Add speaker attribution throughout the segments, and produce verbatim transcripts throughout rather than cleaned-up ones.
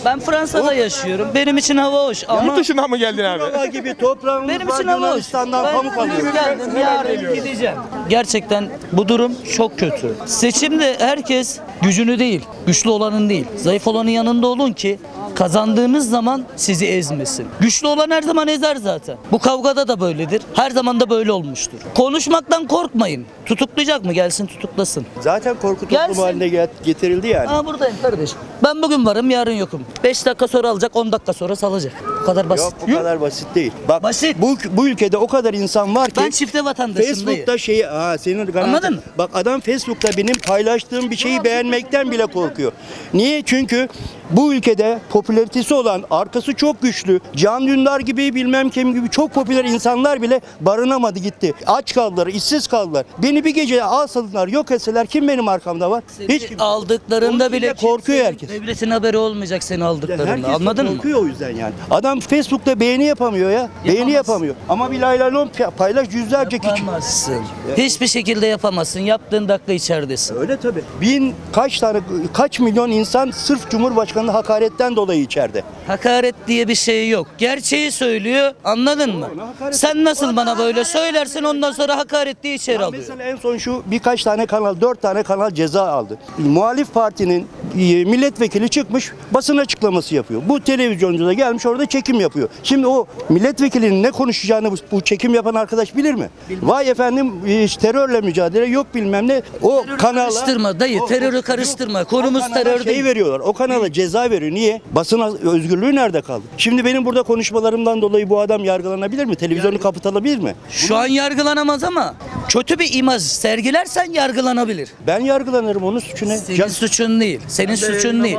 Speaker 1: Ben Fransa'da yaşıyorum. Benim için hava hoş ama
Speaker 2: Yurt dışından mı geldin abi?
Speaker 3: Hava gibi toprağımız
Speaker 1: benim
Speaker 3: var,
Speaker 1: için hava hoş.
Speaker 3: Yunanistan'dan
Speaker 1: Ben
Speaker 3: pamuk alıyoruz.
Speaker 1: geldim, yarın gideceğim. Gerçekten bu durum çok kötü. Seçimde herkes gücünü değil, güçlü olanın değil, zayıf olanın yanında olun ki kazandığınız zaman sizi ezmesin. Güçlü olan her zaman ezer zaten. Bu kavgada da böyledir. Her zaman da böyle olmuştur. Konuşmaktan korkmayın. Tutuklayacak mı? Gelsin tutuklasın.
Speaker 3: Zaten korku
Speaker 1: Gelsin.
Speaker 3: toplumu haline get- getirildi yani.
Speaker 1: Aa buradayım kardeş. Ben bugün varım, yarın yokum. beş dakika sonra alacak, on dakika sonra salacak. Bu kadar basit.
Speaker 3: Yok bu kadar basit değil. Bak
Speaker 1: Basit.
Speaker 3: bu bu ülkede o kadar insan var ki
Speaker 1: Ben çifte vatandaşındayım.
Speaker 3: Facebook'ta şeyi aa senin garanti.
Speaker 1: Anladın mı?
Speaker 3: Bak adam Facebook'ta benim paylaştığım bir şeyi beğenmekten bile korkuyor. Niye? Çünkü bu ülkede popülaritesi olan, arkası çok güçlü, Can Dündar gibi bilmem kim gibi çok popüler insanlar bile barınamadı gitti. Aç kaldılar, işsiz kaldılar. Beni bir gece alsadılar, yok etseler kim benim arkamda var? Hiç kim.
Speaker 1: Aldıklarında
Speaker 3: Onun
Speaker 1: bile
Speaker 3: için korkuyor herkes.
Speaker 1: Devletin haberi olmayacak seni aldıklarında.
Speaker 3: Herkes
Speaker 1: Anladın mı?
Speaker 3: korkuyor o yüzden yani. Adam Facebook'ta beğeni yapamıyor ya. Beğeni yapamıyor. Ama bir lay lay lom paylaş yüzlerce kişi.
Speaker 1: Yapamazsın. Hiçbir şekilde yapamazsın. Yaptığın dakika içeridesin.
Speaker 3: Öyle tabii. Bin kaç tane kaç milyon insan sırf Cumhurbaşkanı hakaretten dolayı içeride.
Speaker 1: Hakaret diye bir şey yok. Gerçeği söylüyor. Anladın mı?
Speaker 3: hakaret-
Speaker 1: Sen nasıl bana böyle söylersin, ondan sonra hakaret diye içeri alıyor.
Speaker 3: Mesela en son şu birkaç tane kanal, dört tane kanal ceza aldı. Muhalif partinin e, milletvekili çıkmış basın açıklaması yapıyor. Bu televizyoncu da gelmiş orada çekim yapıyor. Şimdi o milletvekilinin ne konuşacağını bu, bu çekim yapan arkadaş bilir mi? Vay efendim e, terörle mücadele yok bilmem ne. O kanala
Speaker 1: Karıştırma dayı,
Speaker 3: o-
Speaker 1: terörü
Speaker 3: o-
Speaker 1: karıştırma.
Speaker 3: yok.
Speaker 1: Konumuz
Speaker 3: O kanala
Speaker 1: terör
Speaker 3: şey
Speaker 1: değil.
Speaker 3: veriyorlar. O kanala ceza veriyor. Niye? Basın özgürlüğü nerede kaldı? Şimdi benim burada konuşmalarımdan dolayı bu adam yargılanabilir mi? Televizyonu kapatılabilir mi?
Speaker 1: Şu an yargılanamaz ama kötü bir imaj sergilersen yargılanabilir.
Speaker 3: Ben yargılanırım, onun suçu ne?
Speaker 1: Senin
Speaker 3: Can-
Speaker 1: suçun değil. Senin suçun değil.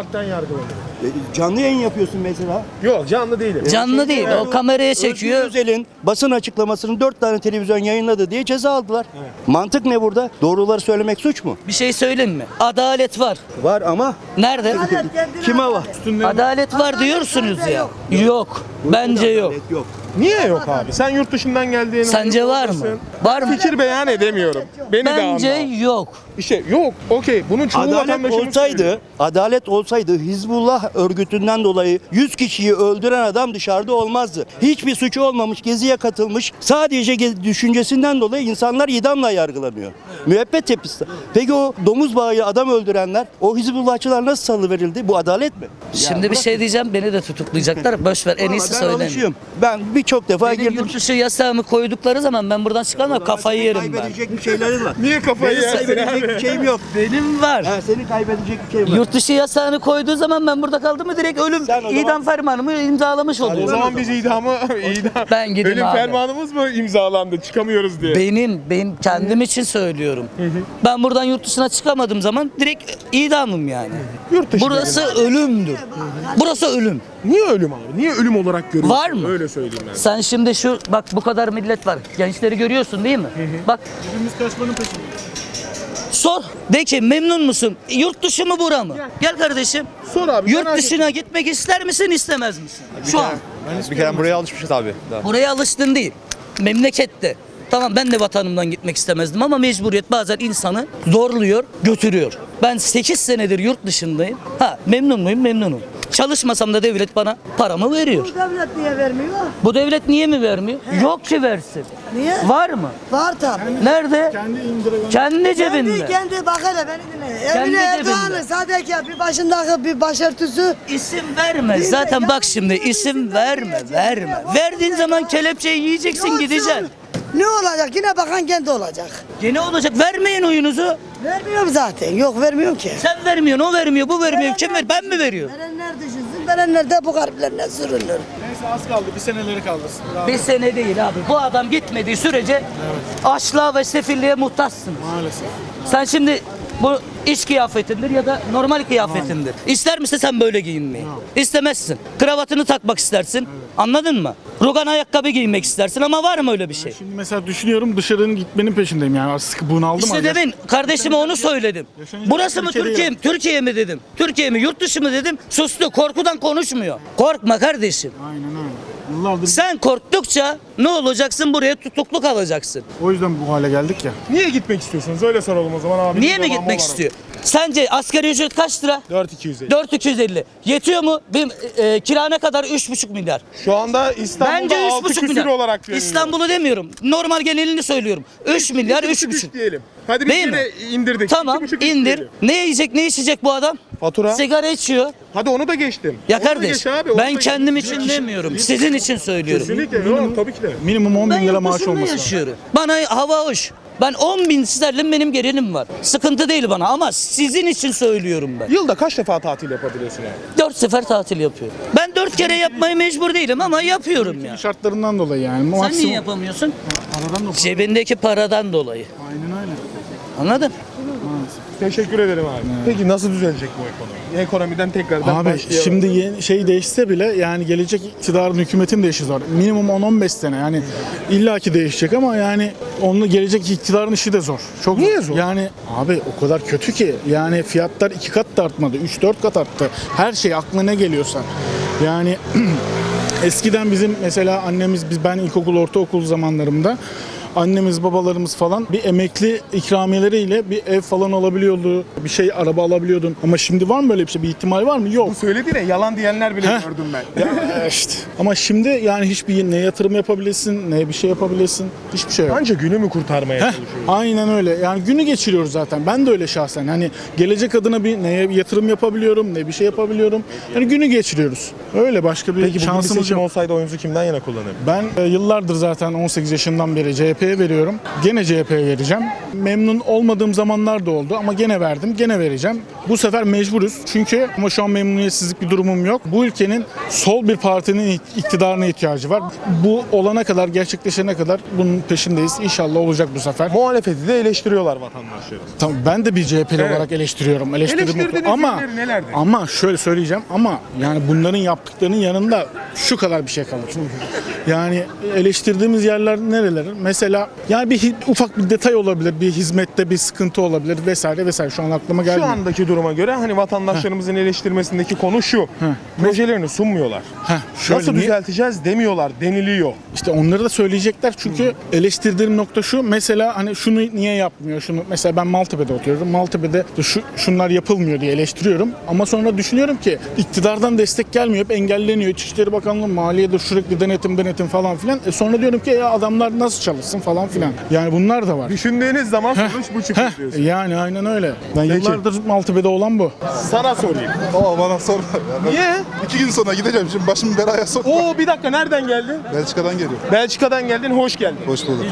Speaker 3: Canlı yayın yapıyorsun mesela.
Speaker 2: Yok canlı değilim.
Speaker 1: Canlı değil. O kameraya çekiyor.
Speaker 3: Özgür Özel'in basın açıklamasını dört tane televizyon yayınladı diye ceza aldılar. Mantık ne burada? Doğruları söylemek suç mu?
Speaker 1: Bir şey söyleyeyim mi? Adalet var.
Speaker 3: Var ama
Speaker 1: Nerede?
Speaker 3: kime var?
Speaker 1: Adalet var diyorsunuz ya. Yok. Bence yok.
Speaker 3: Adalet yok.
Speaker 2: Niye yok abi? Sen yurt dışından geldiğini...
Speaker 1: Sence var mı? Var mı?
Speaker 2: Fikir beyan edemiyorum. Beni de
Speaker 1: Bence
Speaker 2: anla.
Speaker 1: yok.
Speaker 2: İşte yok. Okey. Bunun çoğu
Speaker 3: Adalet
Speaker 2: vatandaşımız
Speaker 3: olsaydı,
Speaker 2: söylüyor.
Speaker 3: adalet olsaydı Hizbullah örgütünden dolayı yüz kişiyi öldüren adam dışarıda olmazdı. Hiçbir suçu olmamış, geziye katılmış. Sadece ge- düşüncesinden dolayı insanlar idamla yargılanıyor. Müebbet tepkisi. Peki o domuz bağı adam öldürenler, o Hizbullahçılar nasıl salıverildi? Bu adalet mi?
Speaker 1: Şimdi bir şey diyeceğim, beni de tutuklayacaklar. Boş ver, en iyisi
Speaker 3: ben
Speaker 1: söyleme.
Speaker 3: alışığım. Ben birçok defa
Speaker 1: Benim
Speaker 3: girdim.
Speaker 1: yurt dışı yasağımı koydukları zaman ben buradan çıkamam, kafayı yerim ben.
Speaker 3: Kaybedecek bir şeylerin var.
Speaker 2: Niye kafayı
Speaker 3: Benim
Speaker 2: yersin
Speaker 3: kaybedecek
Speaker 2: abi?
Speaker 3: bir şeyim yok.
Speaker 1: Benim var.
Speaker 3: Ha, senin kaybedecek bir şeyim var.
Speaker 1: Yurt dışı yasağını koyduğu zaman ben burada kaldım mı direkt ölüm,
Speaker 3: Sen o zaman-
Speaker 1: idam fermanımı imzalamış
Speaker 2: O
Speaker 1: oluyorum.
Speaker 2: zaman biz idamı... idam,
Speaker 1: Ben gideyim
Speaker 2: Ölüm
Speaker 1: abi.
Speaker 2: fermanımız mı imzalandı? Çıkamıyoruz diye.
Speaker 1: Benim, benim kendim için söylüyorum. Ben buradan yurt dışına çıkamadığım zaman direkt idamım yani.
Speaker 2: Yurt dışı
Speaker 1: Burası ölümdür. Burası ölüm.
Speaker 2: Niye ölüm abi? Niye ölüm olarak görüyorsun?
Speaker 1: Var mı?
Speaker 2: Öyle söyleyeyim ben.
Speaker 1: Sen şimdi şu bak bu kadar millet var. Gençleri görüyorsun değil mi? Bak. Sor. De ki memnun musun? Yurt dışı mı bura mı? Gel kardeşim.
Speaker 2: Sor abi.
Speaker 1: Yurt
Speaker 2: merak
Speaker 1: dışına gitmek ister misin istemez misin? Şu an.
Speaker 4: Bir kere buraya alışmışız abi. Daha.
Speaker 1: Buraya alıştın değil. Memlekette. Tamam ben de vatanımdan gitmek istemezdim ama mecburiyet bazen insanı zorluyor, götürüyor. Ben sekiz senedir yurt dışındayım. Ha memnun muyum? Memnunum. Çalışmasam da devlet bana paramı veriyor.
Speaker 5: Bu devlet niye vermiyor?
Speaker 1: Bu devlet niye mi vermiyor? Yok ki versin.
Speaker 5: Niye?
Speaker 1: Var mı?
Speaker 5: Var tabii.
Speaker 1: Nerede? Kendi cebinde.
Speaker 5: Kendi, kendi bak hele beni dinle.
Speaker 1: Kendi
Speaker 5: Emine
Speaker 1: cebinde.
Speaker 5: Erdoğan'ın sadece bir başındaki bir başörtüsü.
Speaker 1: İsim verme. Zaten bak şimdi isim verme, verme. Verdiğin zaman kelepçeyi yiyeceksin, gideceksin.
Speaker 5: Ne olacak? Yine bakan kendi olacak.
Speaker 1: Gene olacak. Vermeyin oyunuzu.
Speaker 5: Vermiyorum zaten. Yok vermiyorum ki.
Speaker 1: Sen vermiyorsun, o vermiyor, bu vermiyor. Kim ver? Ben mi veriyorum?
Speaker 5: Verenler düşünsün, verenler de bu gariplerine sürünür.
Speaker 6: Neyse az kaldı. Bir seneleri kaldırsın. Daha
Speaker 1: Bir sene değil abi. Bu adam gitmediği sürece açlığa ve sefilliğe muhtaçsın.
Speaker 6: maalesef.
Speaker 1: Sen şimdi bu iş kıyafetindir ya da normal kıyafetindir. İster misin sen böyle giyinmeyi? İstemezsin. Kravatını takmak istersin. Anladın mı? Rugan ayakkabı giymek istersin ama var mı öyle bir şey?
Speaker 6: Şimdi mesela düşünüyorum dışarının gitmenin peşindeyim yani artık bunaldım.
Speaker 1: İşte
Speaker 6: ama
Speaker 1: demin kardeşime onu söyledim.
Speaker 6: Yaşanacak
Speaker 1: Burası mı
Speaker 6: ülke değil.
Speaker 1: Türkiye mi? Türkiye mi dedim. Türkiye mi? Yurt dışı mı dedim. Sustu. Korkudan konuşmuyor. Korkma kardeşim.
Speaker 6: Aynen öyle. Yıllardır
Speaker 1: Sen korktukça ne olacaksın? Buraya tutukluk alacaksın.
Speaker 6: o yüzden bu hale geldik ya.
Speaker 2: Niye gitmek istiyorsunuz? Öyle soralım o zaman abi.
Speaker 1: Niye mi gitmek istiyor? Sence asgari ücret kaç lira?
Speaker 2: dört bin iki yüz elli.
Speaker 1: dört bin iki yüz elli. Yetiyor mu? Bir, e, kira ne kadar? üç buçuk milyar.
Speaker 2: Şu anda İstanbul'da
Speaker 1: Bence üç
Speaker 2: altı
Speaker 1: buçuk
Speaker 2: küsür
Speaker 1: milyar.
Speaker 2: olarak görünüyor.
Speaker 1: İstanbul'u demiyorum. Normal genelini söylüyorum. üç milyar,
Speaker 2: İki
Speaker 1: üç
Speaker 2: buçuk, üç
Speaker 1: buçuk.
Speaker 2: diyelim. Hadi biz
Speaker 1: Değil
Speaker 2: yine
Speaker 1: mi?
Speaker 2: indirdik.
Speaker 1: Tamam,
Speaker 2: İki buçuk, üç
Speaker 1: indir.
Speaker 2: diyelim.
Speaker 1: Ne yiyecek, ne içecek bu adam?
Speaker 2: Fatura.
Speaker 1: Sigara içiyor.
Speaker 2: Hadi onu da geçtim.
Speaker 1: Ya
Speaker 2: Onu da
Speaker 1: kardeş,
Speaker 2: geç abi, onu
Speaker 1: ben
Speaker 2: da
Speaker 1: kendim
Speaker 2: geç.
Speaker 1: için demiyorum. Sizin için söylüyorum.
Speaker 2: Kesinlikle. Yok, tabii ki de.
Speaker 6: Minimum on
Speaker 1: Ben
Speaker 6: bin lira
Speaker 1: yurt
Speaker 6: maaş
Speaker 1: dışında
Speaker 6: olması lazım.
Speaker 1: yaşıyorum. Bana hava hoş. Ben on bin sterlin benim gelirim var. Sıkıntı değil bana ama sizin için söylüyorum ben.
Speaker 2: Yılda kaç defa tatil yapabiliyorsun abi?
Speaker 1: Dört sefer tatil yapıyorum. Ben dört kere yapmaya mecbur değilim ama yapıyorum ya.
Speaker 6: Şartlarından dolayı yani.
Speaker 1: Sen
Speaker 6: Maksimum.
Speaker 1: niye yapamıyorsun?
Speaker 6: Paradan dolayı.
Speaker 1: Cebindeki paradan dolayı.
Speaker 6: Aynen öyle.
Speaker 1: Anladın?
Speaker 2: Teşekkür ederim abi. Peki nasıl düzelecek bu ekonomi? Ekonomiden tekrardan
Speaker 6: Abi
Speaker 2: başlayalım.
Speaker 6: şimdi yeni şey değişse bile yani gelecek iktidarın, hükümetin değişir zor. Minimum on on beş sene yani illaki değişecek ama yani onunla gelecek iktidarın işi de zor. Çok
Speaker 2: Niye zor?
Speaker 6: Yani abi o kadar kötü ki yani fiyatlar iki kat da artmadı. üç dört kat arttı. Her şey aklına ne geliyorsa. Yani eskiden bizim mesela annemiz biz ben ilkokul ortaokul zamanlarımda annemiz babalarımız falan bir emekli ikramiyeleriyle bir ev falan alabiliyordu. Bir şey araba alabiliyordun. Ama şimdi var mı böyle bir şey? Bir ihtimal var mı? Yok.
Speaker 2: Bu söylediğine yalan diyenler bile
Speaker 6: Heh.
Speaker 2: gördüm ben.
Speaker 6: Ya işte. Ama şimdi yani hiçbir ne yatırım yapabilirsin, ne bir şey yapabilirsin. Hiçbir şey yok.
Speaker 2: Anca günü mü kurtarmaya
Speaker 6: Heh,
Speaker 2: çalışıyoruz?
Speaker 6: aynen öyle. Yani günü geçiriyoruz zaten. Ben de öyle şahsen. Hani gelecek adına bir neye bir yatırım yapabiliyorum, ne bir şey yapabiliyorum. Yani günü geçiriyoruz. Öyle başka bir
Speaker 2: Peki bugün bir
Speaker 6: şansımız
Speaker 2: seçim
Speaker 6: yok.
Speaker 2: olsaydı oyunuzu kimden yana kullanırdın?
Speaker 6: Ben e, yıllardır zaten on sekiz yaşından beri C H P'ye veriyorum. Gene C H P'ye vereceğim. Memnun olmadığım zamanlar da oldu ama gene verdim, gene vereceğim. Bu sefer mecburuz. Çünkü ama şu an memnuniyetsizlik bir durumum yok. Bu ülkenin sol bir partinin iktidarına ihtiyacı var. Bu olana kadar, gerçekleşene kadar bunun peşindeyiz. İnşallah olacak bu sefer.
Speaker 2: Muhalefeti de eleştiriyorlar vatandaşları.
Speaker 6: Tamam, ben de bir C H P'li
Speaker 2: Evet.
Speaker 6: olarak eleştiriyorum. Eleştirdim
Speaker 2: Eleştirdiğiniz
Speaker 6: ama
Speaker 2: yerleri nelerdir?
Speaker 6: ama şöyle söyleyeceğim ama yani bunların yaptıklarının yanında şu kadar bir şey kalır. Yani eleştirdiğimiz yerler nereler? Mesela yani bir hi- ufak bir detay olabilir, bir hizmette bir sıkıntı olabilir vesaire vesaire. Şu an aklıma
Speaker 2: Şu
Speaker 6: gelmiyor.
Speaker 2: andaki duruma göre hani vatandaşlarımızın eleştirmesindeki konu şu. Projelerini sunmuyorlar.
Speaker 6: Heh, şöyle
Speaker 2: Nasıl
Speaker 6: niye-
Speaker 2: düzelteceğiz demiyorlar, deniliyor.
Speaker 6: İşte onları da söyleyecekler çünkü eleştirdiğim nokta şu. Mesela hani şunu niye yapmıyor? Şunu mesela ben Maltepe'de oturuyorum. Maltepe'de de şu şunlar yapılmıyor diye eleştiriyorum. Ama sonra düşünüyorum ki iktidardan destek gelmiyor. Hep engelleniyor. İçişleri Bakanlığı, Maliye'de sürekli denetim denetim falan filan. E sonra diyorum ki ya adamlar nasıl çalışsın falan filan. Yani bunlar da var.
Speaker 2: Düşündüğünüz zaman
Speaker 6: Heh,
Speaker 2: sonuç bu çıkıyor
Speaker 6: heh,
Speaker 2: diyorsun.
Speaker 6: yani aynen öyle. Ben
Speaker 2: Peki.
Speaker 6: yıllardır Maltepe'de olan bu.
Speaker 2: Sana sorayım.
Speaker 7: Aa bana sorma ya. Ben
Speaker 2: Niye?
Speaker 7: iki gün sonra gideceğim şimdi başımı belaya sokma.
Speaker 2: Oo bir dakika nereden geldin?
Speaker 7: Belçika'dan geliyor.
Speaker 2: Belçika'dan geldin, hoş geldin.
Speaker 7: Hoş bulduk.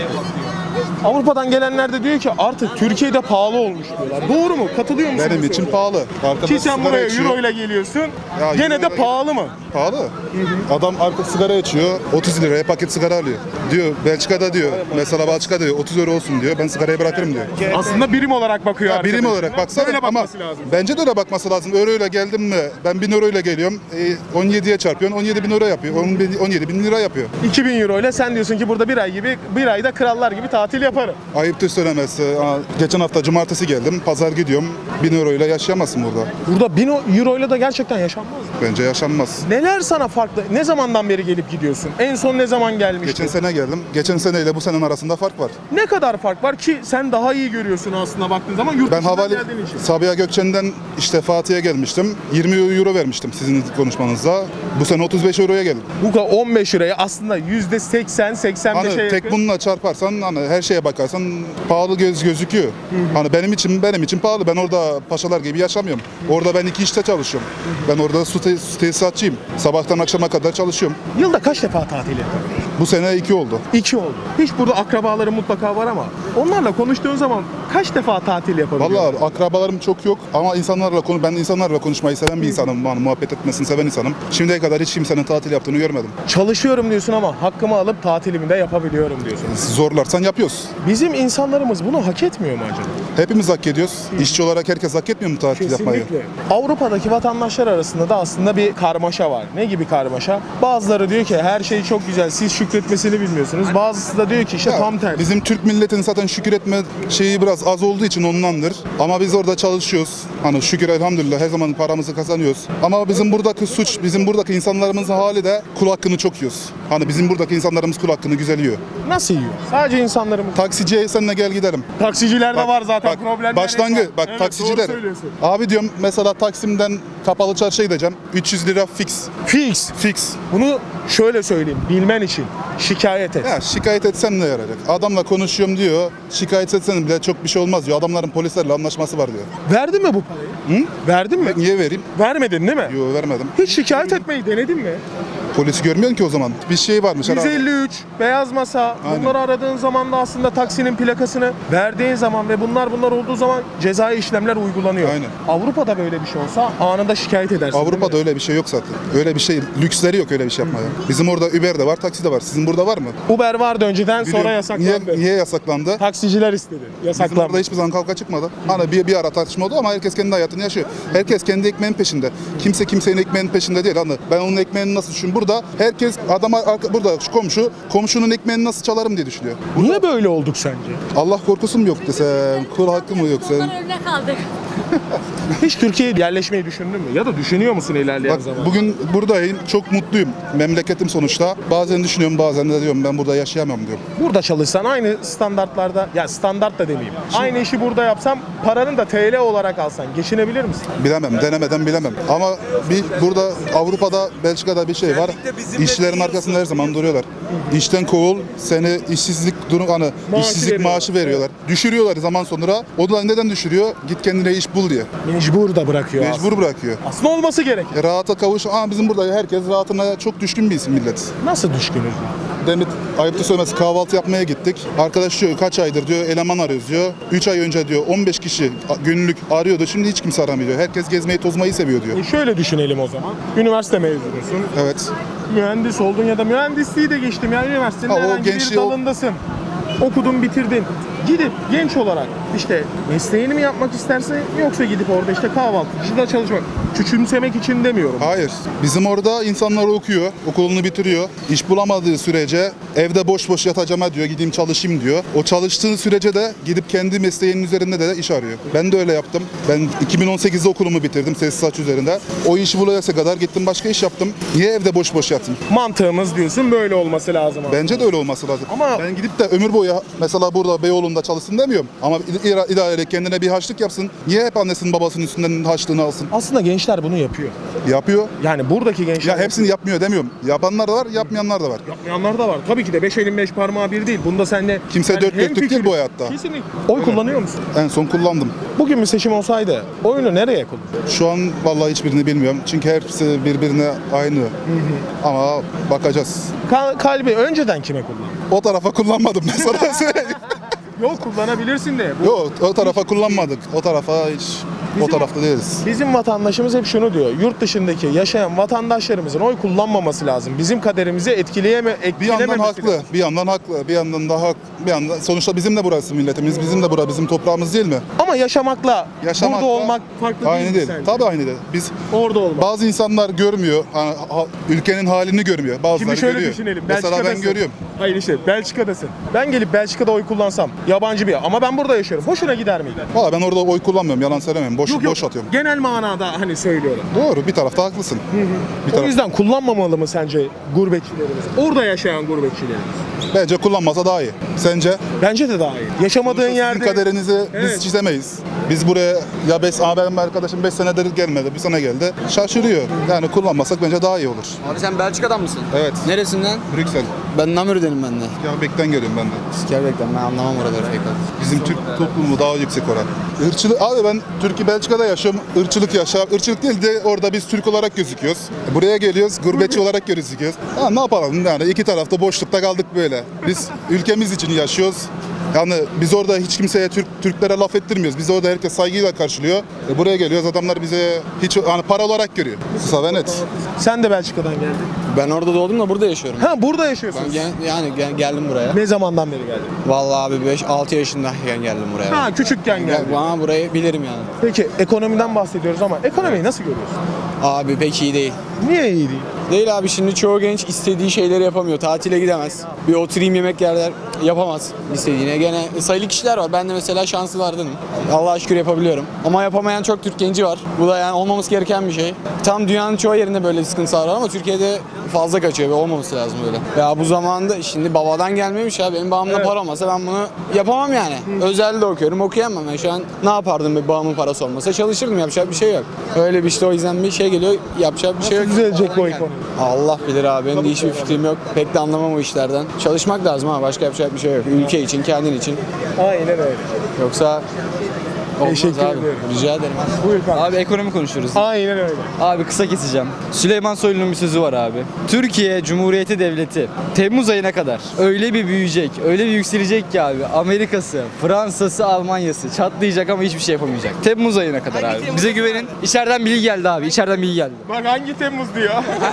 Speaker 2: Avrupa'dan gelenler de diyor ki artık Türkiye'de pahalı olmuş diyorlar. Doğru mu? Katılıyor musun?
Speaker 7: Benim
Speaker 2: bu
Speaker 7: için
Speaker 2: söyleme?
Speaker 7: pahalı. Arkadaş
Speaker 2: Ki sen
Speaker 7: sigara
Speaker 2: buraya
Speaker 7: içiyor.
Speaker 2: euro ile geliyorsun.
Speaker 7: Ya,
Speaker 2: Gene
Speaker 7: euro
Speaker 2: de
Speaker 7: ile-
Speaker 2: pahalı mı?
Speaker 7: Pahalı. Adam arka sigara içiyor. otuz liraya paket sigara alıyor. Diyor Belçika'da diyor. Mesela Belçika'da diyor otuz euro olsun diyor. Ben sigarayı bırakırım diyor.
Speaker 2: Aslında birim olarak bakıyor
Speaker 7: Ya
Speaker 2: arkadaş.
Speaker 7: birim olarak baksana
Speaker 2: Böyle
Speaker 7: ama
Speaker 2: bakması lazım.
Speaker 7: bence de öyle bakması lazım. Euro ile geldim mi? Ben bin euro ile geliyorum. E, on yediye çarpıyorsun. on yedi bin euro yapıyor. on bin- on yedi bin lira yapıyor.
Speaker 2: iki bin euro ile sen diyorsun ki burada bir ay gibi bir ayda krallar gibi tatil yaparım.
Speaker 7: Ayıptır söylemesi. Aa, geçen hafta cumartesi geldim. Pazar gidiyorum. bin euro ile yaşayamazsın burada.
Speaker 2: Burada bin euro ile de gerçekten yaşanmaz mı?
Speaker 7: Bence yaşanmaz.
Speaker 2: Neler sana farklı? Ne zamandan beri gelip gidiyorsun? En son ne zaman gelmiştin?
Speaker 7: Geçen sene geldim. Geçen seneyle bu senenin arasında fark var.
Speaker 2: Ne kadar fark var ki sen daha iyi görüyorsun aslında baktığın zaman yurt
Speaker 7: Ben
Speaker 2: dışından
Speaker 7: havali
Speaker 2: geldiğin için.
Speaker 7: Sabiha Gökçen'den işte Fatih'e gelmiştim. yirmi euro vermiştim sizin konuşmanızda. Bu sene otuz beş euroya geldim.
Speaker 2: Bu kadar on beş liraya aslında yüzde seksen seksen beşe
Speaker 7: Hani
Speaker 2: yakın.
Speaker 7: tek bununla çarparsan hani her şeye bakarsan pahalı göz gözüküyor. Hani benim için benim için pahalı. Ben orada paşalar gibi yaşamıyorum. Orada ben iki işte çalışıyorum. Ben orada su, te- su tesisatçıyım. Sabahtan akşama kadar çalışıyorum.
Speaker 2: Yılda kaç defa tatil yapıyorsun?
Speaker 7: Bu sene iki oldu.
Speaker 2: İki oldu. Hiç burada akrabaların mutlaka var ama onlarla konuştuğun zaman kaç defa tatil yapabiliyorsun?
Speaker 7: Vallahi akrabalarım çok yok ama insanlarla konu ben insanlarla konuşmayı seven bir insanım. Yani muhabbet etmesini seven insanım. Şimdiye kadar hiç kimsenin tatil yaptığını görmedim.
Speaker 2: Çalışıyorum diyorsun ama hakkımı alıp tatilimi de yapabiliyorum diyorsun.
Speaker 7: Zorlarsan yapıyoruz.
Speaker 2: Bizim insanlarımız bunu hak etmiyor mu acaba?
Speaker 7: Hepimiz hak ediyoruz. İşçi olarak herkes hak etmiyor mu tatil yapmayı?
Speaker 2: Kesinlikle. Avrupa'daki vatandaşlar arasında da aslında bir karmaşa var. Ne gibi karmaşa? Bazıları diyor ki her şey çok güzel, siz şükretmesini bilmiyorsunuz. Bazısı da diyor ki işte
Speaker 7: Ya,
Speaker 2: tam tersi.
Speaker 7: bizim Türk milletinin zaten şükür etme şeyi biraz az olduğu için ondandır. Ama biz orada çalışıyoruz. Hani şükür elhamdülillah her zaman paramızı kazanıyoruz. Ama bizim buradaki suç, bizim buradaki insanlarımızın hali de kul hakkını çok yiyoruz. Hani bizim buradaki insanlarımız kul hakkını güzel yiyor.
Speaker 2: Nasıl yiyor? Sadece insanlarımız.
Speaker 7: Taksiciye seninle gel gidelim.
Speaker 2: Taksiciler de
Speaker 7: Bak,
Speaker 2: var zaten
Speaker 7: bak,
Speaker 2: problemler.
Speaker 7: başlangı-
Speaker 2: hep var.
Speaker 7: bak
Speaker 2: Evet,
Speaker 7: taksiciler.
Speaker 2: doğru söylüyorsun.
Speaker 7: Abi diyorum mesela Taksim'den Kapalı Çarşı'ya gideceğim. üç yüz lira fix.
Speaker 2: Fix.
Speaker 7: Fix.
Speaker 2: Bunu şöyle söyleyeyim bilmen için şikayet et.
Speaker 7: Ya şikayet etsem ne yarayacak? Adamla konuşuyorum diyor. Şikayet etsen bile çok bir şey olmaz diyor. Adamların polislerle anlaşması var diyor.
Speaker 2: Verdin mi bu parayı?
Speaker 7: Hı?
Speaker 2: Verdin mi?
Speaker 7: Niye vereyim?
Speaker 2: Vermedin değil mi?
Speaker 7: Yok vermedim.
Speaker 2: Hiç şikayet etmeyi denedin mi?
Speaker 7: Polisi görmüyorsun ki o zaman. Bir şey varmış herhalde.
Speaker 2: yüz elli üç, beyaz masa,
Speaker 7: Aynen.
Speaker 2: bunları aradığın zaman da aslında taksinin plakasını verdiğin zaman ve bunlar bunlar olduğu zaman cezai işlemler uygulanıyor.
Speaker 7: Aynen.
Speaker 2: Avrupa'da böyle bir şey olsa anında şikayet edersin.
Speaker 7: Avrupa'da
Speaker 2: değil mi?
Speaker 7: öyle bir şey yok zaten. Öyle bir şey, lüksleri yok öyle bir şey yapmaya. Bizim orada Uber de var, taksi de var. Sizin burada var mı?
Speaker 2: Uber vardı önceden sonra
Speaker 7: Biliyorum.
Speaker 2: yasaklandı.
Speaker 7: Niye, niye yasaklandı?
Speaker 2: Taksiciler istedi.
Speaker 7: Bizim
Speaker 2: Yasaklandı.
Speaker 7: orada hiçbir zaman kavga çıkmadı. Hani bir, bir ara tartışma oldu ama herkes kendi hayatını yaşıyor. Herkes kendi ekmeğinin peşinde. Kimse kimsenin ekmeğinin peşinde değil. Hani ben onun ekmeğini nasıl düşün? Burada herkes adama arka- burada şu komşu komşunun ekmeğini nasıl çalarım diye düşünüyor.
Speaker 2: Niye böyle olduk sence?
Speaker 7: Allah korkusu mu yok desem, kul hakkı mı yok desem.
Speaker 8: Örnek aldık.
Speaker 2: Hiç Türkiye'ye yerleşmeyi düşündün mü? Ya da düşünüyor musun ilerleyen
Speaker 7: Bak
Speaker 2: zaman?
Speaker 7: bugün buradayım, çok mutluyum. Memleketim sonuçta. Bazen düşünüyorum, bazen de diyorum ben burada yaşayamam diyorum.
Speaker 2: Burada çalışsan aynı standartlarda, ya standart da demeyeyim. Aynı işi burada yapsam paranın da T L olarak alsan geçinebilir misin?
Speaker 7: Bilemem, denemeden bilemem. Ama bir burada Avrupa'da, Belçika'da bir şey var. İşçilerin arkasında her zaman duruyorlar. İşten kovul, seni işsizlik durum hani
Speaker 2: Maaşı
Speaker 7: işsizlik
Speaker 2: veriyorlar.
Speaker 7: maaşı veriyorlar. Düşürüyorlar zaman sonra. O da neden düşürüyor? Git kendine iş bul diye.
Speaker 2: Mecbur da bırakıyor
Speaker 7: Mecbur
Speaker 2: aslında.
Speaker 7: bırakıyor.
Speaker 2: Aslında olması gerek.
Speaker 7: E, rahata kavuş. Aa, bizim burada herkes rahatına çok düşkün bir isim millet.
Speaker 2: Nasıl düşkünüz?
Speaker 7: Demin ayıptır söylemesi kahvaltı yapmaya gittik. Arkadaş diyor kaç aydır diyor eleman arıyoruz diyor. üç ay önce diyor on beş kişi günlük arıyordu. Şimdi hiç kimse aramıyor diyor. Herkes gezmeyi tozmayı seviyor diyor.
Speaker 2: E şöyle düşünelim o zaman. Üniversite mezunusun.
Speaker 7: Evet.
Speaker 2: Mühendis oldun ya da mühendisliği de geçtim ya üniversitenin
Speaker 7: Ha, o
Speaker 2: herhangi bir
Speaker 7: gençliği o-
Speaker 2: dalındasın. Okudun, bitirdin. Gidip genç olarak işte mesleğini mi yapmak istersin yoksa gidip orada işte kahvaltıcıda çalışmak. Küçümsemek için demiyorum.
Speaker 7: Hayır. Bizim orada insanlar okuyor, okulunu bitiriyor. İş bulamadığı sürece evde boş boş yatacağıma diyor, gideyim çalışayım diyor. O çalıştığı sürece de gidip kendi mesleğinin üzerinde de iş arıyor. Ben de öyle yaptım. Ben iki bin on sekizde okulumu bitirdim tesisat üzerinde. O işi bulayasa kadar gittim başka iş yaptım. Niye evde boş boş yatayım?
Speaker 2: Mantığımız diyorsun böyle olması lazım. aslında.
Speaker 7: Bence de öyle olması lazım.
Speaker 2: Ama-
Speaker 7: ben gidip de ömür boyu mesela burada Beyoğlu'nda çalışsın demiyorum. Ama ida- idareli kendine bir harçlık yapsın. Niye hep annesinin babasının üstünden harçlığını alsın?
Speaker 2: Aslında gençler bunu yapıyor.
Speaker 7: Yapıyor.
Speaker 2: Yani buradaki gençler
Speaker 7: Ya hepsini yapmıyor demiyorum. Yapanlar da var, yapmayanlar da var.
Speaker 2: yapmayanlar da var. Tabii ki de beş elin beş parmağı bir değil. Bunda seninle
Speaker 7: Kimse
Speaker 2: yani
Speaker 7: dört dörtlük
Speaker 2: hemfikiriz.
Speaker 7: değil bu hayatta.
Speaker 2: Kesinlikle. Oy kullanıyor musun?
Speaker 7: En son kullandım.
Speaker 2: Bugün bir seçim olsaydı oyunu nereye kullanırdın?
Speaker 7: Şu an vallahi hiçbirini bilmiyorum. Çünkü hepsi birbirine aynı. Ama bakacağız.
Speaker 2: Ka- kalbi önceden kime kullandın?
Speaker 7: O tarafa kullanmadım mesela.
Speaker 2: Yok kullanabilirsin de. Bu
Speaker 7: Yok o tarafa kullanmadık. O tarafa hiç o
Speaker 2: Bizim-
Speaker 7: tarafta değiliz.
Speaker 2: Bizim vatandaşımız hep şunu diyor. Yurt dışındaki yaşayan vatandaşlarımızın oy kullanmaması lazım. Bizim kaderimizi etkileyeme,
Speaker 7: Bir
Speaker 2: etkilememesi
Speaker 7: yandan haklı,
Speaker 2: lazım.
Speaker 7: bir yandan haklı, bir yandan da hak, bir yandan sonuçta bizim de burası milletimiz, bizim de bura bizim toprağımız değil mi?
Speaker 2: Ama yaşamakla,
Speaker 7: Yaşamakla
Speaker 2: burada olmak farklı
Speaker 7: aynı
Speaker 2: değil,
Speaker 7: değil.
Speaker 2: mi sence?
Speaker 7: Tabii aynı değil. Biz
Speaker 2: Orada olmak.
Speaker 7: bazı insanlar görmüyor, hani, ha- ülkenin halini görmüyor. Bazıları
Speaker 2: Şimdi şöyle
Speaker 7: görüyor.
Speaker 2: düşünelim.
Speaker 7: Mesela ben
Speaker 2: Belçika'dasın.
Speaker 7: görüyorum.
Speaker 2: Hayır işte Belçika'dasın. Ben gelip Belçika'da oy kullansam yabancı bir ama ben burada yaşıyorum. Hoşuna gider miydi?
Speaker 7: Valla ben orada oy kullanmıyorum, yalan söylemem. Boş
Speaker 2: Yok yok.
Speaker 7: boş atıyorum.
Speaker 2: Genel manada hani söylüyorum.
Speaker 7: Doğru, bir tarafta haklısın. Bir
Speaker 2: O
Speaker 7: taraf,
Speaker 2: yüzden kullanmamalı mı sence gurbetçilerimiz? Orada yaşayan gurbetçilerimiz.
Speaker 7: bence kullanmasa daha iyi. Sence?
Speaker 2: Bence de daha iyi. Yaşamadığın
Speaker 7: Sizin
Speaker 2: yerde
Speaker 7: kaderinizi
Speaker 2: Evet.
Speaker 7: biz çizemeyiz. Biz buraya ya beş, aa benim arkadaşım beş senedir gelmedi, bir sene geldi. Şaşırıyor. Yani kullanmasak bence daha iyi olur.
Speaker 9: Abi sen Belçika'dan mısın?
Speaker 7: Evet.
Speaker 9: Neresinden?
Speaker 7: Brüksel.
Speaker 9: Ben Namür'denim ben de.
Speaker 7: Skerbek'ten geliyorum ben de.
Speaker 9: Skerbek'ten ben anlamam oraları pek.
Speaker 7: Bizim Türk toplumu daha yüksek oran. Irkçılık, abi ben Türkiye Belçika'da yaşıyorum. Irkçılık yaşa. Irkçılık değil de orada biz Türk olarak gözüküyoruz. Buraya geliyoruz, gurbetçi olarak gözüküyoruz. Ha, ne yapalım yani iki tarafta boşlukta kaldık böyle. Biz ülkemiz için yaşıyoruz. Yani biz orada hiç kimseye Türk Türklere laf ettirmiyoruz. Biz orada herkes saygıyla karşılıyor. E buraya geliyoruz adamlar bize hiç yani para olarak görüyor. Kısa ve net.
Speaker 2: sen de Belçika'dan geldin.
Speaker 9: Ben orada doğdum da burada yaşıyorum.
Speaker 2: Ha burada yaşıyorsun.
Speaker 9: Ben gel- yani gel- geldim buraya.
Speaker 2: Ne zamandan beri geldin?
Speaker 9: Vallahi abi beş altı yaşındayken geldim buraya.
Speaker 2: Ha küçükken
Speaker 9: Ya,
Speaker 2: geldin.
Speaker 9: bana burayı bilirim yani.
Speaker 2: Peki ekonomiden bahsediyoruz ama ekonomiyi nasıl görüyorsun?
Speaker 9: Abi pek iyi değil.
Speaker 2: Niye iyi değil?
Speaker 9: Değil abi, şimdi çoğu genç istediği şeyleri yapamıyor. Tatile gidemez. Bir oturayım yemek yerler yapamaz istediğine. Gene sayılı kişiler var. Ben de mesela şanslılardanım. Allah'a şükür yapabiliyorum. Ama yapamayan çok Türk genci var. Bu da yani olmaması gereken bir şey. Tam dünyanın çoğu yerinde böyle bir sıkıntılar var ama Türkiye'de fazla kaçıyor ve olmaması lazım böyle. Ya bu zamanda şimdi babadan gelmemiş ya. Benim babamda para olmasa ben bunu yapamam yani. Özelde okuyorum, okuyamam. Ben şu an ne yapardım bir babamın parası olmasa? Çalışırdım, yapacak bir şey yok. Öyle bir işte, o yüzden bir şey geliyor, yapacak bir şey yok.
Speaker 2: düzelecek bu
Speaker 9: Babadan
Speaker 2: ekonomi?
Speaker 9: geldi. Allah bilir abi, benim de hiçbir fikrim yok. Pek de anlamam o işlerden. Çalışmak lazım ha, başka yapacak bir şey yok. Ülke için, kendin için.
Speaker 2: Aynen öyle.
Speaker 9: Yoksa olmaz
Speaker 2: Teşekkür
Speaker 9: abi.
Speaker 2: ederim.
Speaker 9: Rica ederim.
Speaker 2: Buyur kanka.
Speaker 8: Abi ekonomi konuşuyoruz.
Speaker 2: Aynen öyle.
Speaker 8: Abi kısa keseceğim. Süleyman Soylu'nun bir sözü var abi. Türkiye Cumhuriyeti Devleti Temmuz ayına kadar öyle bir büyüyecek, öyle bir yükselecek ki abi. Amerika'sı, Fransa'sı, Almanya'sı çatlayacak ama hiçbir şey yapamayacak. Temmuz ayına kadar abi. Bize güvenin. İçeriden bilgi geldi abi. İçeriden bilgi geldi.
Speaker 2: Bak hangi Temmuz diyor.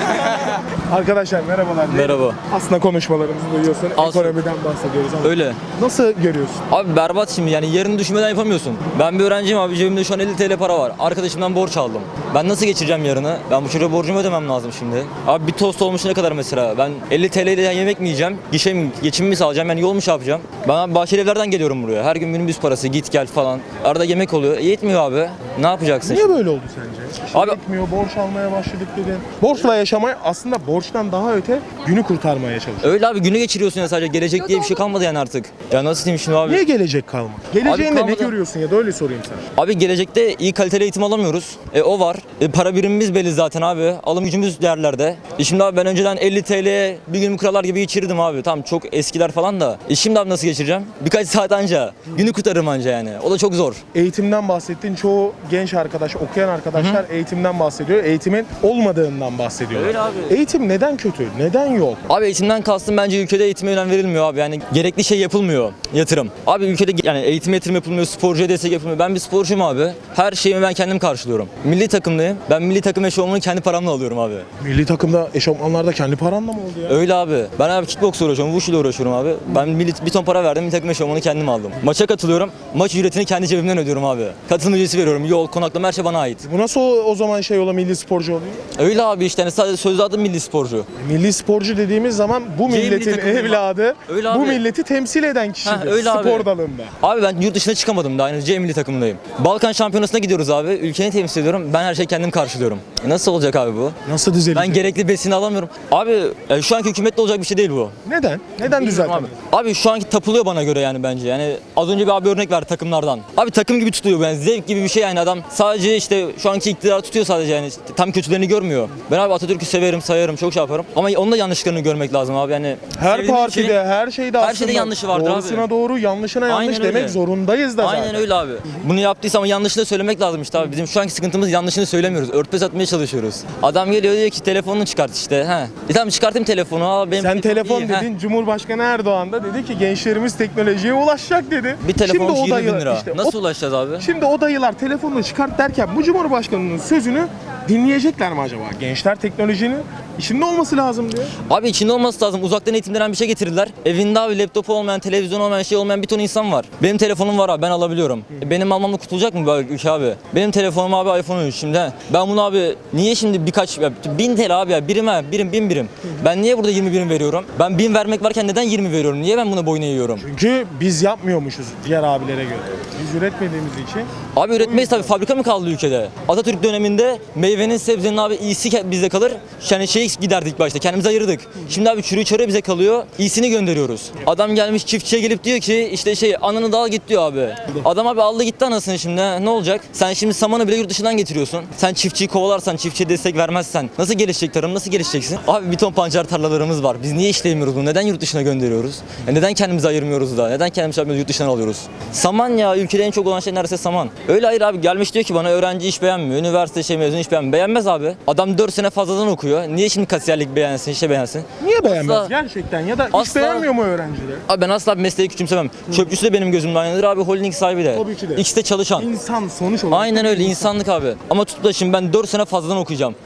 Speaker 2: Arkadaşlar merhabalar.
Speaker 10: Merhaba.
Speaker 2: Aslında konuşmalarımızı duyuyorsun.
Speaker 10: Az-
Speaker 2: Ekonomiden bahsediyoruz ama.
Speaker 10: Öyle.
Speaker 2: Nasıl görüyorsun?
Speaker 10: Abi berbat şimdi, yani yarını düşünmeden yapamıyorsun. Ben bir öğrenciyim abi, cebimde şu an elli TL para var. Arkadaşımdan borç aldım. Ben nasıl geçireceğim yarını? Ben bu çocuğa borcumu ödemem lazım şimdi. Abi bir tost olmuş ne kadar mesela? Ben elli TL ile yemek mi yiyeceğim? Gişe mi, geçim mi sağlayacağım? Yani yol mu şey yapacağım? Ben abi Bahçeli Evler'den geliyorum buraya. Her gün minibüs parası, git gel falan. Arada yemek oluyor. E, yetmiyor abi. Ne yapacaksın?
Speaker 2: Niye böyle oldu sence? İşte
Speaker 10: Abi-
Speaker 2: yetmiyor, borç almaya başladık dedin. Borçla yaşamaya, aslında borçtan daha öte günü kurtarmaya çalışıyor.
Speaker 10: Öyle abi, günü geçiriyorsun ya sadece. Gelecek diye bir şey kalmadı yani artık. Ya nasıl diyeyim şimdi abi?
Speaker 2: Niye gelecek kalmadı? Geleceğinde ne
Speaker 10: kalmadı.
Speaker 2: görüyorsun ya da öyle sorayım sana.
Speaker 10: Abi gelecekte iyi kaliteli eğitim alamıyoruz. E, o var. E, para birimimiz belli zaten abi. Alım gücümüz yerlerde. E, şimdi abi ben önceden elli TL'ye bir gün kralar gibi geçirirdim abi. Tamam çok eskiler falan da. E, şimdi abi nasıl geçireceğim? Birkaç saat anca. Günü kurtarırım anca yani. O da çok zor.
Speaker 2: Eğitimden bahsettin. Çoğu genç arkadaş, okuyan arkadaşlar eğitimden bahsediyor. Eğitimin olmadığından bahsediyorlar.
Speaker 10: Öyle abi.
Speaker 2: Eğitim neden kötü? Neden yok?
Speaker 10: Abi eğitimden kastım, bence ülkede eğitime önem verilmiyor abi. Yani gerekli şey yapılmıyor. Yatırım. Abi ülkede yani eğitim yatırım yapılmıyor. Sporcuya destek yapılmıyor. Ben bir sporcuyum abi. Her şeyimi ben kendim karşılıyorum. Milli takımdayım. Ben milli takım eşofmanını kendi paramla alıyorum abi.
Speaker 2: Milli takımda eşofmanlarda kendi paranla mı oldu ya?
Speaker 10: Öyle abi. Ben abi kickboksla uğraşıyorum, wushu ile uğraşıyorum abi. Ben milli, bir ton para verdim, milli takım eşofmanını kendim aldım. Maça katılıyorum. Maç ücretini kendi cebimden ödüyorum abi. Katılım ücreti veriyorum. Yol, konaklama, her şey bana ait.
Speaker 2: Bu nasıl o, o zaman şey ola milli sporcu oluyor?
Speaker 10: Öyle abi işte, hani sadece sözde adım milli sporcu.
Speaker 2: Milli sporcu dediğimiz zaman bu
Speaker 10: milli
Speaker 2: milletin
Speaker 10: takımı var.
Speaker 2: evladı,
Speaker 10: Öyle
Speaker 2: bu
Speaker 10: abi.
Speaker 2: milleti temsil eden kişidir
Speaker 10: Ha, öyle abi.
Speaker 2: spor dalında.
Speaker 10: Abi ben yurt dışına çıkamadım daha, henüz C milli takımındayım. Balkan şampiyonasına gidiyoruz abi. Ülkeni temsil ediyorum. Ben her şeyi kendim karşılıyorum. E nasıl olacak abi bu?
Speaker 2: Nasıl düzelecek?
Speaker 10: Ben gerekli besini alamıyorum. Abi e, şu anki hükümetle olacak bir şey değil bu.
Speaker 2: Neden? Neden
Speaker 10: Bilmiyorum
Speaker 2: düzeltemez?
Speaker 10: Abi. Abi şu anki tapılıyor bana göre yani bence. Yani az önce bir abi örnek verdi takımlardan. Abi takım gibi tutuyor yani, zevk gibi bir şey yani, adam sadece işte şu anki iktidar tutuyor sadece yani, tam kötülerini görmüyor. Ben abi Atatürk'ü severim, sayarım, çok şey yaparım ama onun da yanlışlarını görmek lazım abi yani.
Speaker 2: Her
Speaker 10: sevdiğim
Speaker 2: partide,
Speaker 10: şeyin-
Speaker 2: her şeyde
Speaker 10: her
Speaker 2: aslında
Speaker 10: şeyde yanlışı vardır abi.
Speaker 2: doğrusuna doğru, yanlışına yanlış
Speaker 10: Aynen
Speaker 2: demek
Speaker 10: öyle.
Speaker 2: zorundayız da zaten.
Speaker 10: Aynen öyle abi. Bunu yaptıysa ama yanlışını söylemek lazım işte abi. Bizim şu anki sıkıntımız, yanlışını söylemiyoruz. Örtbas atmaya çalışıyoruz. Adam geliyor diyor ki telefonunu çıkart işte. He. E tamam çıkartayım telefonu. Aa, benim
Speaker 2: Sen telefon
Speaker 10: iyi. He.
Speaker 2: dedin, Cumhurbaşkanı Erdoğan da dedi ki gençlerimiz teknolojiye ulaşacak dedi.
Speaker 10: Bir telefon
Speaker 2: Şimdi o
Speaker 10: yirmi bin
Speaker 2: dayı-
Speaker 10: lira.
Speaker 2: işte
Speaker 10: Nasıl
Speaker 2: o-
Speaker 10: ulaşacağız abi?
Speaker 2: Şimdi o dayılar telefonunu çıkart derken bu Cumhurbaşkanı'nın sözünü dinleyecekler mi acaba? Gençler teknolojinin içinde olması lazım diyor.
Speaker 10: Abi içinde olması lazım. Uzaktan eğitim denen bir şey getirdiler. Evinde abi laptopu olmayan, televizyon olmayan, şey olmayan bir ton insan var. Benim telefonum var abi, ben alabiliyorum. E benim almamla kurtulacak mı böyle ülke abi? Benim telefonum abi iPhone on üç şimdi. he. Ben bunu abi niye şimdi birkaç, ya, bin TL abi ya, birime, birim, bin birim. Ben niye burada yirmi birim veriyorum? Ben bin vermek varken neden yirmi veriyorum? Niye ben buna boyun eğiyorum?
Speaker 2: Çünkü biz yapmıyormuşuz diğer abilere göre. Biz üretmediğimiz için.
Speaker 10: Abi üretmeyiz tabii, fabrika mı kaldı ülkede? Atatürk döneminde meyvenin, sebzenin abi iyisi ke- bizde kalır. Yani şey giderdik başta, kendimize ayırdık. Şimdi abi çürüğü çöre bize kalıyor, iyisini gönderiyoruz. Adam gelmiş çiftçiye gelip diyor ki işte şey, ananı da al git diyor abi. Adam abi aldı gitti anasını şimdi, ne olacak? Sen şimdi samanı bile yurt dışından getiriyorsun. Sen çiftçiyi kovalarsan, çiftçiye destek vermezsen nasıl gelişecek tarım, nasıl gelişeceksin? Abi bir ton pancar tarlalarımız var. Biz niye işleyemiyoruz bunu? Neden yurt dışına gönderiyoruz? Ya neden kendimizi ayırmıyoruz da? Neden kendimizi yapmıyoruz, yurt dışından alıyoruz? Saman ya, ülkede en çok olan şey neredeyse saman. Öyle hayır abi, gelmiş diyor ki bana öğrenci iş beğenmiyor, üniversite şey mezunu iş beğenmiyor. Beğenmez abi. Adam dört sene fazladan okuyor. Niye şimdi kasiyerlik beğensin, işe beğensin?
Speaker 2: Niye beğenmez
Speaker 10: Asla-
Speaker 2: gerçekten ya da hiç
Speaker 10: Asla-
Speaker 2: beğenmiyor mu öğrenciler?
Speaker 10: Abi ben asla bir mesleği küçümsemem. Çöpçüsü de benim gözümden yanılır abi, holding sahibi de.
Speaker 2: Tabii ki de.
Speaker 10: İkisi de çalışan.
Speaker 2: İnsan sonuç olarak.
Speaker 10: Aynen öyle, insanlık abi. Ama tutup da şimdi ben dört sene fazladan okuyacağım.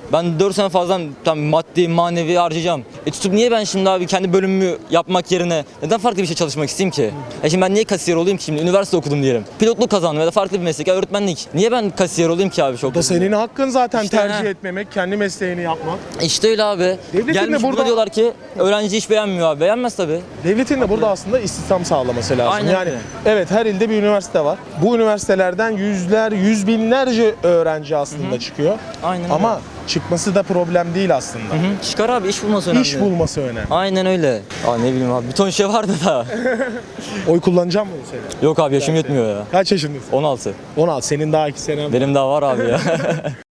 Speaker 10: Ben dört sene fazla tam maddi manevi harcayacağım. E tutup niye ben şimdi abi kendi bölümümü yapmak yerine neden farklı bir şey çalışmak isteyeyim ki? E şimdi ben niye kasiyer olayım ki şimdi? Üniversite okudum diyelim. Pilotluk kazandım ya da farklı bir meslek, ya öğretmenlik. Niye ben kasiyer olayım ki abi çok?
Speaker 2: Bu da senin hakkın zaten,
Speaker 10: İşte
Speaker 2: tercih
Speaker 10: ha.
Speaker 2: etmemek, kendi mesleğini yapmak.
Speaker 10: İşte öyle abi.
Speaker 2: Devletin de
Speaker 10: Gelmiş
Speaker 2: burada-
Speaker 10: burada diyorlar ki öğrenci iş beğenmiyor abi. Beğenmez tabii.
Speaker 2: Devletin de burada aslında istihdam sağlaması lazım.
Speaker 10: Aynen
Speaker 2: yani
Speaker 10: öyle.
Speaker 2: evet, her ilde bir üniversite var. Bu üniversitelerden yüzler, yüz binlerce öğrenci aslında çıkıyor.
Speaker 10: Aynen
Speaker 2: Ama
Speaker 10: öyle.
Speaker 2: çıkması da problem değil aslında.
Speaker 10: Hı, çıkar abi, iş bulması önemli.
Speaker 2: İş bulması önemli.
Speaker 10: Aynen öyle. Aa ne bileyim abi, bir ton şey vardı da.
Speaker 2: Oy kullanacağım mı bu sene?
Speaker 10: Yok abi, yaşım yetmiyor ya.
Speaker 2: Kaç yaşındasın?
Speaker 10: on altı.
Speaker 2: on altı. Senin daha iki senen var.
Speaker 10: Benim daha var abi ya.